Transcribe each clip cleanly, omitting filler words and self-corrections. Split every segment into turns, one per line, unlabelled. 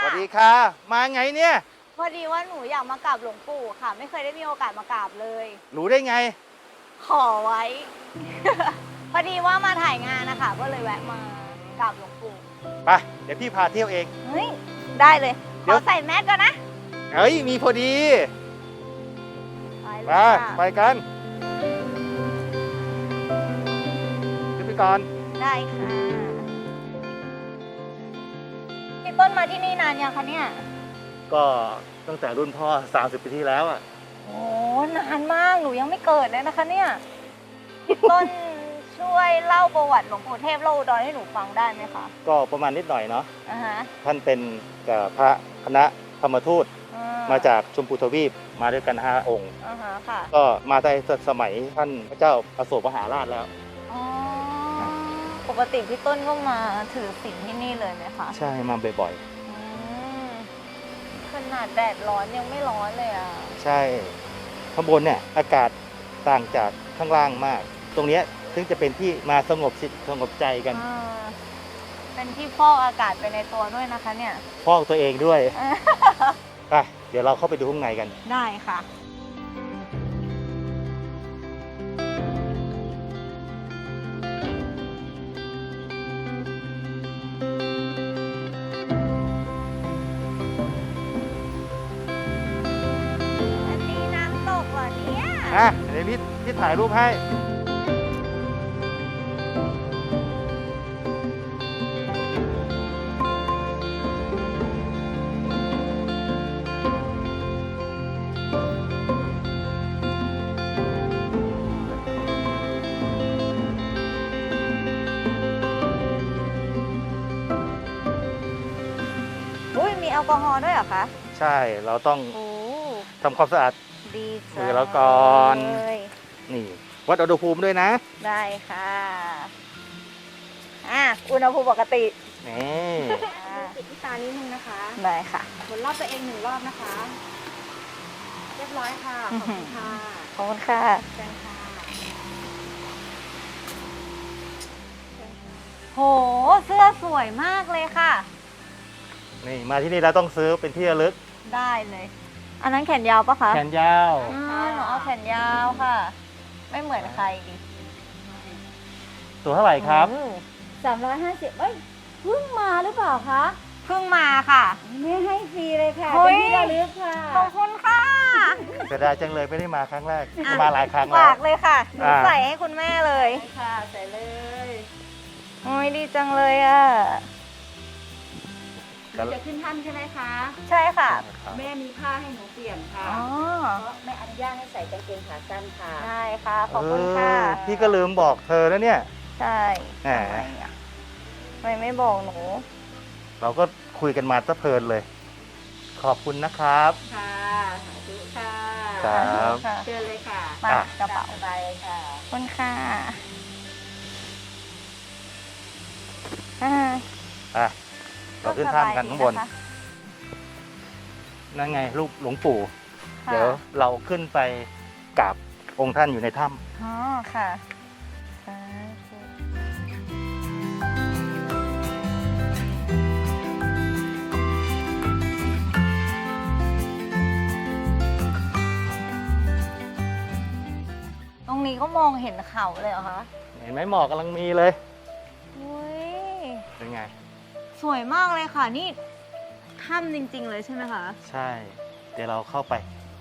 วัสดีค่ะมาไงเนี่ย
พอดีว่าหนูอยากมากราบหลวงปู่ค่ะ ไม่เคยได้มีโอกาสมากราบเลย
รู้ได้ไง
ขอไว้ พอดีว่ามาถ่ายงานนะคะก็เลยแวะมากราบหลวงปู่
ไปเดี๋ยวพี่พาเที่ยวเอง
เฮ้ยได้เลยขอใส่แมสก่อนนะ
เฮ้ยมีพอดี
ไป
ไปกันขึ้นไปก่อน
ได้ค่ะพี่ต้นมาที่นี่นานยังคะเนี่ย
ก็ตั้งแต่รุ่นพ่อ30 ปีที่แล้วอ่ะ
โอ้นานมากหนูยังไม่เกิดเลยนะคะเนี่ยพี่ต้นช่วยเล่าประวัติหลวงปู่เทพโลอุดรให้หนูฟังได้ไหมคะ
ก็ประมาณนิดหน่อยเนาะ
ฮะ
ท่านเป็นพระคณะธรรมทูตมาจากชมพูทวีปมาด้วยกัน5 องค์
ค่ะ
ก็มาในสมัยท่านพระเจ้าอโศกมหาราชแล้ว
ปกติพี่ต้นก็มาถือศีลที่นี่เลยไหมคะ
ใช่มาบ่อย
ขนาดแดดร้อนยังไม่ร้อนเลยอ่ะ
ใช่ข้างบนเนี่ยอากาศต่างจากข้างล่างมากตรงนี้ซึ่งจะเป็นที่มาสงบจิตสงบใจกัน
เป็นที่ฟอกอากาศไปในตัวด้วยนะคะเนี่ย
ฟอกตัวเองด้วยไปเดี๋ยวเราเข้าไปดูข้างในกัน
ได้ค่ะ
เดี๋ยวพี่ถ่ายรูปให้
มีแอลกอฮอล์ด้วยเหรอคะ
ใช่เราต้องทำความสะอาดมือเราก่อนนี่วัดอุณหภูมิด้วยนะ
ได้ค่ะอุณหภูมิปกติ
นี่
ปิดที่ตานิดนึงนะคะได้ค่ะหมุนรอบตัวเอง1 รอบนะคะเรียบร้อยค่ะขอบคุณค่ะขอบคุณค่ะเชิญค่ะโหเสื้อสวยมากเลยค่ะ
นี่มาที่นี่เราต้องซื้อเป็นที่ระลึก
ได้เลยอันนั้นแขนยาวปะคะ
แขนยาว
หนูเอาแขนยาวค่ะไม่เหมือนใครดิ
ตัวเท่าไหร่ครับ
350เอ้ยเพิ่งมาหรือเปล่าคะเพิ่งมาค่ะไม่ให้ฟรีเลยค่ะเป็นที่ระลึกค่ะขอบคุณค่ะ
เสียดายจังเลยไม่ได้มาครั้งแรกมาหลายครั้งแล้ว
ฝากเลยค่ะหนูใส่ให้คุณแม่เลยค่ะใส่เลยโอ้ยดีจังเลยอ่ะจะขึ้นถ้ำใช่ไหมคะใช่ค่ะแม่มีผ้าให้หนูเปลี่ยนค่ะเพราะไม่อนุญาตให้ใส่กางเกงขาสั้นค่ะใช่ค่ะขอบคุณค่ะ
พี่ก็ลืมบอกเธอแล้วเนี่ย
ใช่ไม่บอกหนู
เราก็คุยกันมาซะเพลินเลยขอบคุณนะครับ
ค่ะสาธุค่ะ
ครับ
เชิญเลยค่ะมากระเป๋าไปค่ะขอบคุณค่ะ
เราขึ้นถ้ำกันข้างบนนั่นไงรูปหลวงปู่เดี๋ยวเราขึ้นไปกราบองค์ท่านอยู่ในถ้ำ
อ๋อค่ะตรงนี้ก็มองเห็นเขาเลยเหรอคะ
เห็นไหมหมอกกำลังมีเลยเป็นไง
สวยมากเลยค่ะนี่ถ้ำจริงๆเลยใช่ไหมคะ
ใช่เดี๋ยวเราเข้าไป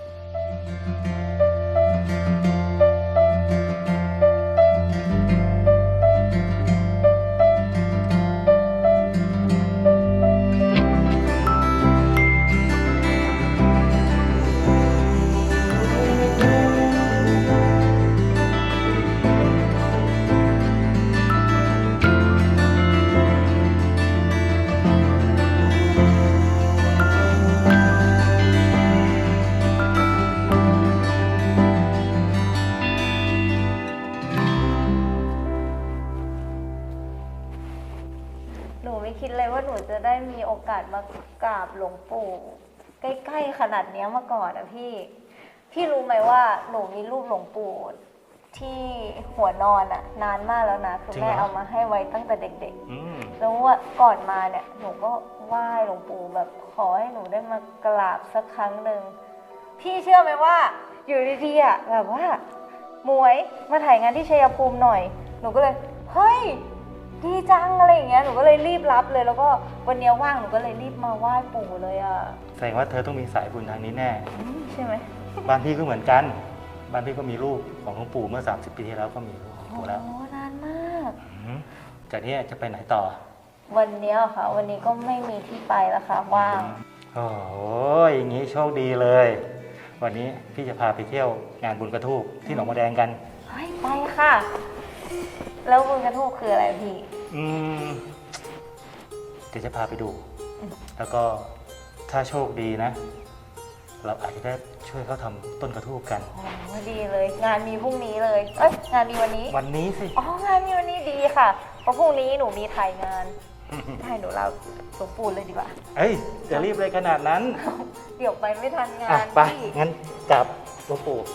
คิดเลยว่าหนูจะได้มีโอกาสมากราบหลวงปู่ใกล้ๆขนาดนี้มาก่อนนะพี่รู้ไหมว่าหนูมีรูปหลวงปู่ที่หัวนอนนานมากแล้วนะคือแม่เอามาให้ไว้ตั้งแต่เด็กๆแล้วว่าก่อนมาเนี่ยหนูก็ไหว้หลวงปู่แบบขอให้หนูได้มากราบสักครั้งหนึ่งพี่เชื่อไหมว่าอยู่ดีๆอ่ะแบบว่าหมวยมาถ่ายงานที่ชัยภูมิหน่อยหนูก็เลยเฮ้ยดีจังอะไรอย่างเงี้ยหนูก็เลยรีบรับเลยแล้วก็วันนี้ว่างหนูก็เลยรีบมาไหว้ปู่เลยอ่ะ
แสดงว่าเธอต้องมีสายบุญทางนี้แน่
ใช่ไหม
บ้านพี่ก็เหมือนกันบ้านพี่ก็มีรูปของหลวงปู่เมื่อ30 ปีที่แล้วก็มีรูปหลวง
โอ้
ปู่แล้ว
นานมาก
อืมจากนี้จะไปไหนต่อ
วันเนี้ยค่ะ วันนี้ก็ไม่มีที่ไปแล้วค่ะว่าง
โอ้โหอย่างนี้โชคดีเลย วันนี้พี่จะพาไปเที่ยวงานบุญกระทูบที่หนองบัวแดงกัน
เฮ้ยไปค่ะ แล้วบุญกระทูกคืออะไรพี่
อืมเดี๋ยวจะพาไปดู แล้วก็ถ้าโชคดีนะ เราอาจจะได้ช่วยเขาทำต้นกระทูบกัน
โอ้ดีเลย งานมีพรุ่งนี้เลย เอ้ยงานมีวันนี้
วันนี้สิ
อ๋องานมีวันนี้ดีค่ะ เพราะพรุ่งนี้หนูมีถ่ายงานให้หนูเราหลวงปู่เลยดีกว่า
เอ้ยจะรีบเลยขนาดนั้น
เดี๋ยวไปไม่ทันงา
อ่ะ
น
ไป
พี่
งั้นกลับหลวงปู่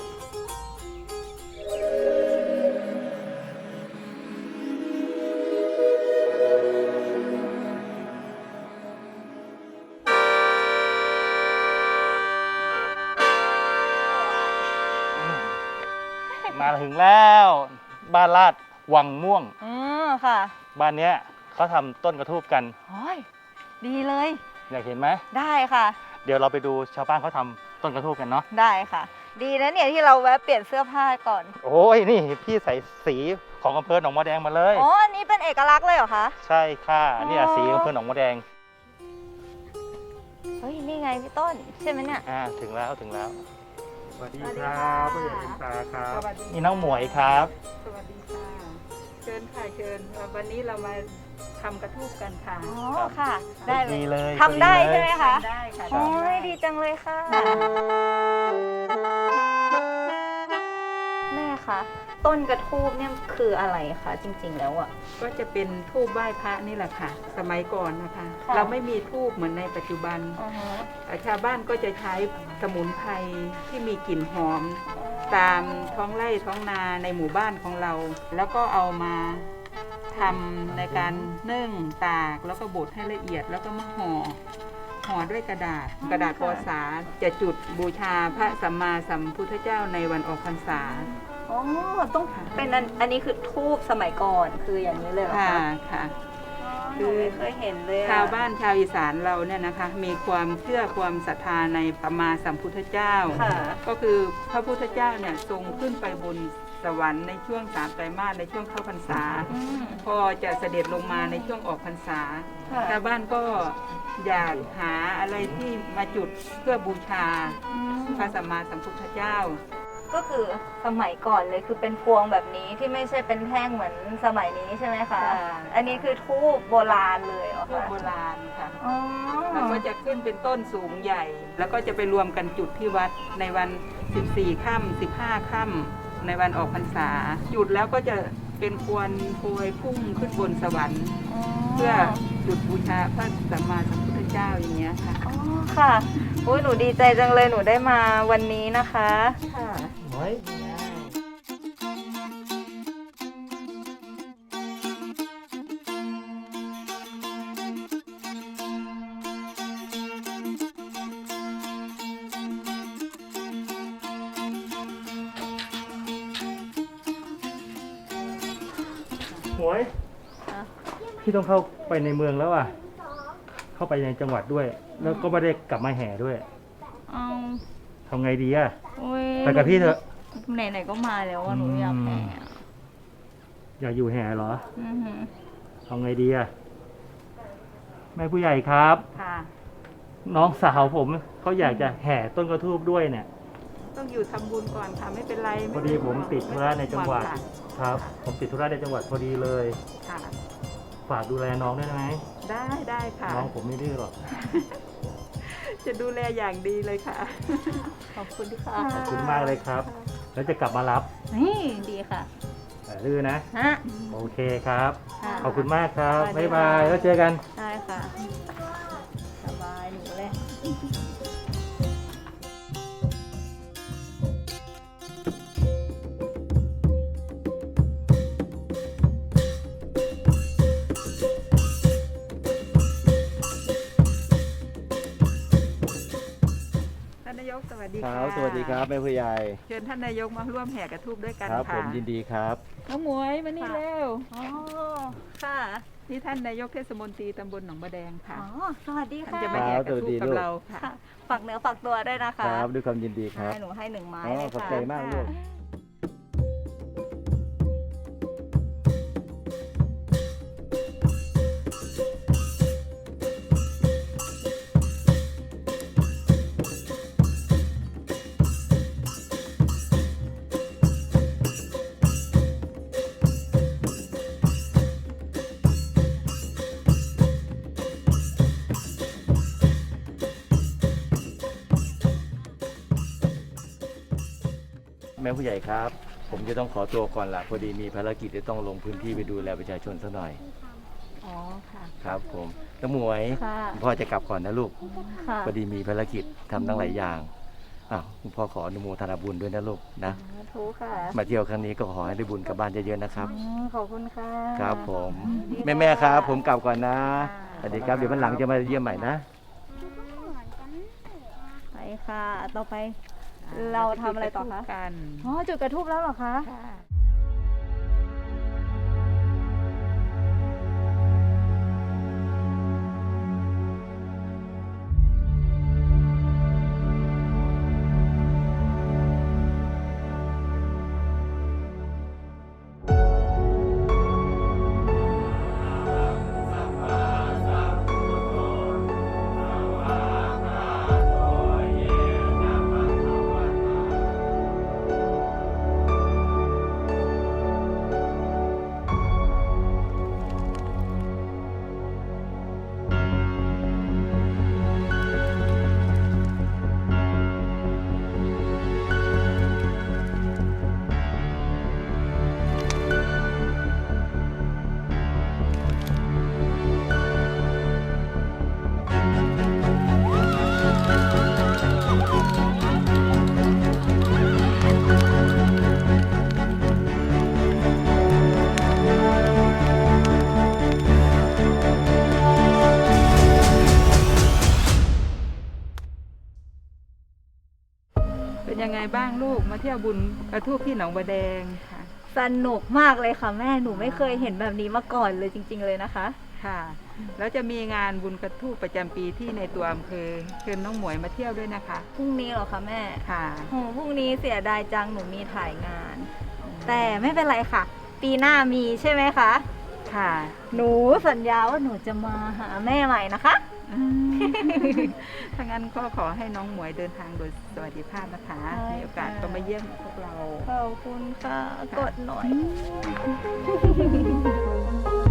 มาถึงแล้ว บ้านลาดวังม่วง
ค่ะ
บ้านเนี้ยเขาทำต้นกระทูบกัน
โอ้ยดีเลย
อยากเห็นไหม
ได้ค่ะ
เดี๋ยวเราไปดูชาวบ้านเขาทำต้นกระทูบกันเนาะ
ได้ค่ะ ดีนะเนี่ยที่เราแวะเปลี่ยนเสื้อผ้าก่อน
โอ้ยนี่พี่ใส่สีของอำเภอหนองบัวแดงมาเลย
อ๋อ อันนี้เป็นเอกลักษณ์เลยเหรอคะ
ใช่ค่ะนี่
อ๋อ
สีอำเภอหนองบัวแดง
เฮ้ย นี่ไงพี่ต้น ใช่ไหมเนี่ย
ถึงแล้วถึงแล้วสวัสดี
สวัสดี
ค
ค่ะ
รับผู้ใหญ่คุณตาครับ
สวัสดี
นี่น้องหมวยครับ
สวัสดีค่ะ เชิญค่ะเชิญวันนี้เรามาทำกระทูบกันค่ะ
อ๋อ ค่ะ ได้เล
ดี
ย
เลย
ทำได้
พอ
ใช่ไหมคะ
ได้ค่ะ
โอ้
ทำได้
ยดีจังเลยค่ะ แม่คะต้นกระทูบเนี่ยคืออะไรคะจริงๆแล้วอ่ะ
ก็จะเป็นทูบไหว้พระนี่แหละค่ะ สมัยก่อนนะคะ
ค่ะ
เราไม่มีทูบเหมือนในปัจจุบัน ชาวบ้านก็จะใช้สมุนไพรที่มีกลิ่นหอม ตามท้องไร่ท้องนาในหมู่บ้านของเรา แล้วก็เอามาทำในการนึ่งตากแล้วก็บดให้ละเอียดแล้วก็มาห่อด้วยกระดาษปอสาจะจุดบูชาพระสัมมาสัมพุทธเจ้าในวันออกพรรษา
อ๋อ ต้องเป็นอันนี้คือทูบสมัยก่อนคืออย่างนี้เลยเหรอ
ค่ะ
คะ
ค่ะ
หนูไม่เคยเห็นเลยอะ
ชาวบ้านชาวอีสานเราเนี่ยนะคะ มีความเชื่อความศรัทธาในสัมมาสัมพุทธเจ้า
ค่ะ
ก็คือพระพุทธเจ้าเนี่ยทรงขึ้นไปบนสวรรค์ในช่วง3 ไตรมาสในช่วงเข้าพรรษา
อืม
พอจะเสด็จลงมาในช่วงออกพรรษา
ค่ะ
ชาวบ้านก็อยากหาอะไรที่มาจุดเพื่อบูชาพระสัมมาสัมพุทธเจ้า
ก็คือสมัยก่อนเลยคือเป็นพวงแบบนี้ที่ไม่ใช่เป็นแท่งเหมือนสมัยนี้ใช่ไหมคะ
ค่ะ
อันนี้คือทูบโบราณเลยเหรอ
ทูบ
คะ
โบราณค่ะ
อ๋อ
แล้วก็จะขึ้นเป็นต้นสูงใหญ่ แล้วก็จะไปรวมกันจุดที่วัดในวัน 14 ค่ำ15 ค่ำในวันออกพรรษา จุดแล้วก็จะเป็นควนโพยพุ่งขึ้นบนสวรรค์ เพื่อจุดบูชาพระสัมมาสัมพุทธเจ้าอย่างเงี้ยค่ะ
อ๋อค่ะอุ้ยหนูดีใจจังเลยหนูได้มาวันนี้นะคะ
ค่ะ
หมวย หมวย
ค่ะ
พี่ต้องเข้าไปในเมืองแล้วอ่ะ เข้าไปในจังหวัดด้วย แล้วก็ไม่ได้กลับมาแห่ด้วย
เอา
ทำไงดีอ่ะ
อุ้ย
ไปกับพี่เถอะ
ไหนๆก็มาแล้วอะหนูอยากแห่อะ
อยากอยู่แห่เหรอ
อือหือ
ทำไงดีอ่ะ แม่ผู้ใหญ่ครับ
ค่ะ
น้องสาวผมเขาอยากจะแห่ต้นกระทูบด้วยเนี่ย
ต้องอยู่ทำบุญก่อนค่ะ ไม่เป็นไร
พอดีผมติดธุระในจังหวัด
ค่ะ
ครับ ผมติดธุระในจังหวัดพอดีเลย
ค่ะ
ฝากดูแลน้องได้ไหม
ได้ค่ะ
น้องผมไม่ดื้อหรอก
จะดูแลอย่างดีเลยค่ะ
ขอบคุณค่ะ
ขอบคุณมากเลยครับ แล้วจะกลับมารับ
นี่ดีค่ะ
อย่าดื้อนะ
ฮะ
โอเคครับ
ค่ะ
ขอบคุณมากครับ
สวัสดี
บ๊ายบาย
ค่ะ
แล้วเจอกัน
ได้ค่ะ สบายหนูเลย
กสวัสดี
ค
ค่ะ
รับสวัสดีครับแม่ผู้ใหญ่
เชิญท่านนายกมาร่วมแห่กระทูบด้วยกัน
ครับ
ค่ะ
ผมยินดีครับ
น้องหมวยมานี่เร็ว
อ๋อ ค่ะ
นี่ท่านนายกเทศมนตรีตำบลหนองบะแดงค่ะ
อ๋อ สวัสดี
ท่าน
ค่ะ
จะมาแห่กระทูบกับเราค่ะ
ค่ะ ฝากเนื้อฝากตัวด้วยนะคะ
ครับด้วยความยินดีครับ
ให้หนูให้1 ไม้
อ๋อ
เลย
ขอบ
ค่ะ
ใจมากลูก แม่ผู้ใหญ่ครับ ผมจะต้องขอตัวก่อนละพอดีมีภารกิจจะต้องลงพื้นที่ไปดูแลประชาชนสักหน่อย
อ๋อ ค่ะ
ครับ ผมน้ำหมวย
ค่ะ
คุณพ่อจะกลับก่อนนะลูก
ค่ะ
พอดีมีภารกิจทำตั้งหลายอย่างอ้าวคุณพ่อขออนุโมทนาบุญด้วยนะลูกนะ
ทุกค่ะ
มาเที่ยวครั้งนี้ก็ขอให้ได้บุญกลับบ้านเยอะๆนะครับ
ขอบคุณค่ะ
ครับผม
ดีค่ะ
แม่ๆครับ ผมกลับก่อนนะ
ค่ะ
สวัสดีครับเดี๋ยววันหลังจะมาเยี่ยมใหม่นะ
ไปค่ะ ต่อไป เราทำอะไรต่อคะ
กัน
อ๋อ จุดกระทูบแล้วเหรอคะ
ค่ะ เป็นยังไงบ้างลูกมาเที่ยวบุญกระทูบที่หนองบะแดงค่ะ
สนุกมากเลยค่ะแม่ หนูไม่เคยเห็นแบบนี้มาก่อนเลยจริง ๆ เลยนะคะ
ค่ะ แล้วจะมีงานบุญกระทูบประจำปีที่ในตัวอำเภอเชิญน้องหมวยมาเที่ยวด้วยนะคะ
พรุ่งนี้เหรอคะแม่
ค่ะ
โหพรุ่งนี้เสียดายจัง หนูมีถ่ายงาน แต่ไม่เป็นไรค่ะ ปีหน้ามีใช่ไหมคะ
ค่ะ
หนูสัญญาว่าหนูจะมาหาแม่ใหม่นะคะ
ถ้างั้นก็ขอให้น้องหมวยเดินทางโดยสวัสดิภาพนะคะ
ใช่
มีโอกาสก็มาเยี่ยมพวกเรา
ขอบคุณค่ะ กดหน่อย